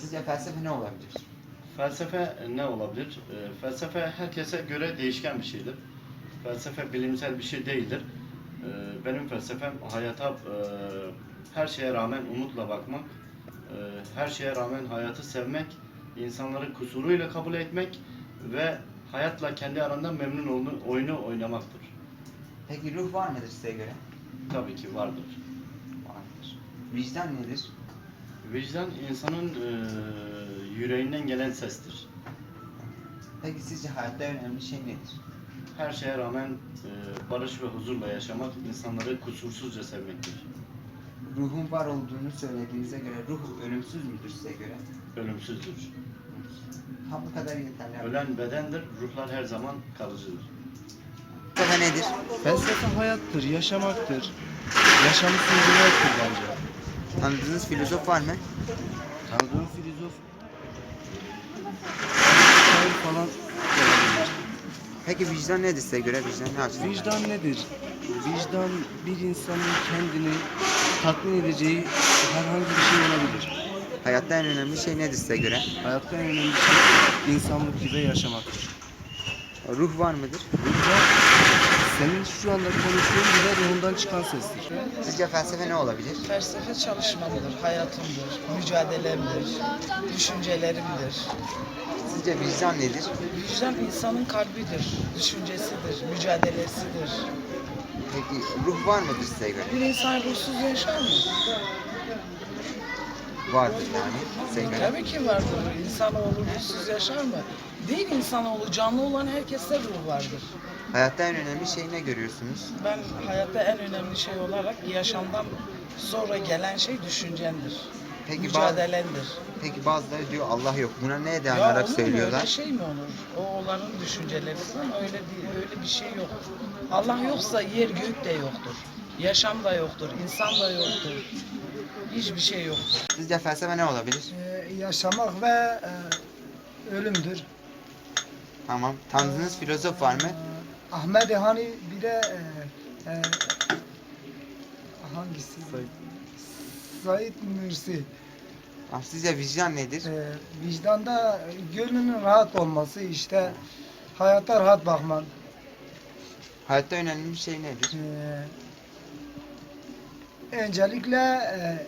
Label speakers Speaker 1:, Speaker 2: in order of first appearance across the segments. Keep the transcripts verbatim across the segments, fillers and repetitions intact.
Speaker 1: Sizce felsefe ne olabilir?
Speaker 2: Felsefe ne olabilir? E, felsefe herkese göre değişken bir şeydir. Felsefe bilimsel bir şey değildir. E, benim felsefem hayata e, her şeye rağmen umutla bakmak, e, her şeye rağmen hayatı sevmek, insanları kusuruyla kabul etmek ve hayatla kendi aranda memnun olma, oyunu oynamaktır.
Speaker 1: Peki ruh var mıdır size göre?
Speaker 2: Tabii ki vardır.
Speaker 1: Vardır. Vicdan nedir?
Speaker 2: Vicdan insanın e, yüreğinden gelen sestir.
Speaker 1: Peki sizce hayatta en önemli şey nedir?
Speaker 2: Her şeye rağmen e, barış ve huzurla yaşamak, insanları kusursuzca sevmektir.
Speaker 1: Ruhun var olduğunu söylediğinize göre ruh ölümsüz müdür size göre?
Speaker 2: Ölümsüzdür.
Speaker 1: Ha bu kadar yeterli.
Speaker 2: Ölen bedendir, ruhlar her zaman kalıcıdır.
Speaker 1: Felsefe nedir?
Speaker 3: Felsefe hayattır, yaşamaktır. Yaşamı sürdürmektir bence.
Speaker 1: Tanıdığınız filozof var mı?
Speaker 3: Tanıdığım filozof şair falan olabilir.
Speaker 1: Peki vicdan nedir size göre? Vicdan ne açıdan?
Speaker 3: Vicdan nedir? Vicdan bir insanın kendini tatmin edeceği herhangi bir şey olabilir.
Speaker 1: Hayatta en önemli şey nedir size göre?
Speaker 3: Hayatta en önemli şey insanlık gibi yaşamaktır.
Speaker 1: Ruh var mıdır?
Speaker 3: Vicdan senin şu anda konuştuğun bile ruhundan çıkan sestir.
Speaker 1: Sizce felsefe ne olabilir?
Speaker 4: Felsefe çalışmamdır, hayatımdır, mücadelemdir, düşüncelerimdir.
Speaker 1: Sizce vicdan nedir?
Speaker 4: Vicdan insanın kalbidir, düşüncesidir, mücadelesidir.
Speaker 1: Peki ruh var mıdır size göre?
Speaker 4: Bir insan ruhsuz yaşar mı?
Speaker 1: Vardır yani size göre.
Speaker 4: Tabii ki vardır. İnsanoğlu ruhsuz yaşar mı? Değil insanoğlu, canlı olan herkeste ruh vardır.
Speaker 1: Hayatta en önemli şey ne görüyorsunuz?
Speaker 4: Ben hayatta en önemli şey olarak yaşamdan sonra gelen şey düşüncendir.
Speaker 1: Peki bazı,
Speaker 4: Mücadelendir.
Speaker 1: peki bazıları diyor Allah yok. Buna neye
Speaker 4: Ya
Speaker 1: dayanarak
Speaker 4: olur mu?
Speaker 1: söylüyorlar?
Speaker 4: Öyle şey mi olur? O onların düşünceleri ama öyle değil, öyle bir şey yok. Allah yoksa yer gök de yoktur. Yaşam da yoktur, insan da yoktur. Hiçbir şey yoktur.
Speaker 1: Sizce felsefe ne olabilir?
Speaker 5: Ee, yaşamak ve e, ölümdür.
Speaker 1: Tamam. Tanıdığınız filozof var mı?
Speaker 5: Ee, Ahmet hani bir de e, e, hangisi? Said Nursi.
Speaker 1: Ah, sizce vicdan nedir?
Speaker 5: Ee, vicdanda gönlünün rahat olması, işte hayata rahat bakman.
Speaker 1: Hayatta önemli bir şey nedir?
Speaker 5: Ee, öncelikle e,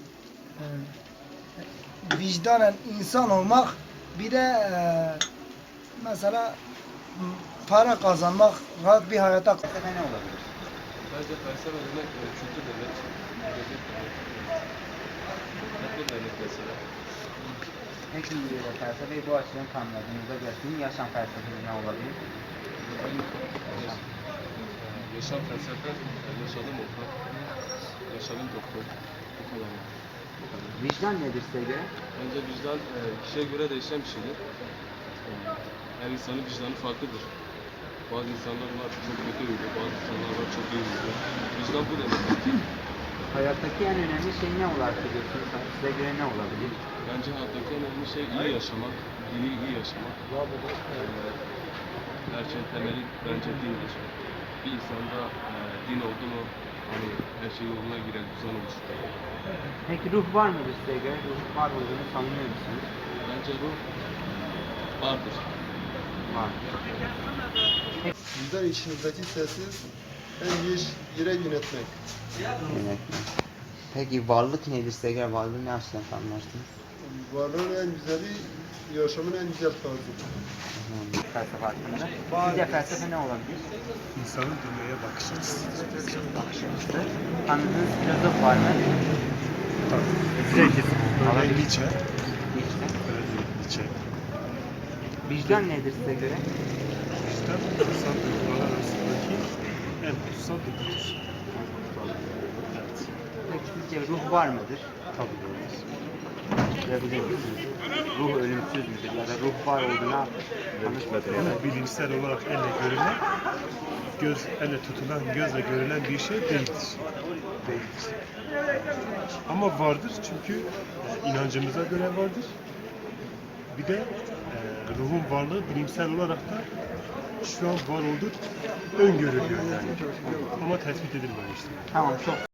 Speaker 5: e, vicdanen insan olmak, bir de e, mesela m, para kazanmak, rahat bir hayata.
Speaker 1: Felsefe ne olabilir?
Speaker 6: Bence felsefe demek e, kültür demek, edebiyat demek, toplum demek mesela.
Speaker 1: Peki e, felsefeyi bu açıdan tanımladığınızda göre sizin yaşam felsefeniz ne olabilir? Yaşam.
Speaker 6: E, Yaşam felsefe, e, yaşadım okul, yaşadım doktor, bu kadar. Bu kadar.
Speaker 1: Vicdan nedir size göre?
Speaker 6: Bence vicdan e, kişiye göre değişen bir şeydir. E, Her insanın vicdanı farklıdır. Bazı insanlar var çok kötü huylu, bazı insanlar var çok iyi huylu. Vicdan bu demek ki.
Speaker 1: Hayattaki en önemli şey ne olarak görüyorsunuz? Size göre ne olabilir?
Speaker 6: Bence hayattaki en önemli şey iyi yaşamak, dini iyi yaşamak. Ee, her şeyin temeli bence dindir. Bir insanda e, din oldu mu, hani her şey yoluna girer, düzen oluşur.
Speaker 1: Peki ruh var mıdır size göre? Ruh var olduğunu sanıyor musunuz?
Speaker 6: Bence bu vardır.
Speaker 1: Var.
Speaker 7: Bizden içinizdeki sesi en iyi yere yönetmek.
Speaker 1: Evet. Peki varlık nedir size göre? Varlığı ne açıdan tanımlarsınız?
Speaker 7: Varlığın en güzeli, yaşamın en güzel tarzı.
Speaker 1: Felsefe hakkında. Sizce felsefe ne olabilir?
Speaker 3: İnsanın dünyaya bakış açısı.
Speaker 1: Bakış açısı. Tanıdığınız filozof var mı?
Speaker 3: Örneğin Nietzsche.
Speaker 1: İşte.
Speaker 3: Örneğin Nietzsche.
Speaker 1: Vicdan nedir size göre?
Speaker 3: Vicdan, insan duygular arasındaki en kutsal duygudur. Evet.
Speaker 1: Peki sizce ruh var mıdır?
Speaker 3: Tabii vardır.
Speaker 1: Görebilir misiniz? Ruh ölümsüz müdür? Ya da ruh var olduğuna
Speaker 3: Ama bilimsel olarak elle görülen, göz elle tutulan, gözle görülen bir şey değildir. Değildir. Ama vardır çünkü e, inancımıza göre vardır. Bir de e, ruhun varlığı bilimsel olarak da şu an var olduğu öngörülüyor yani. Ama tespit edilmemiştir.
Speaker 1: Tamam, çok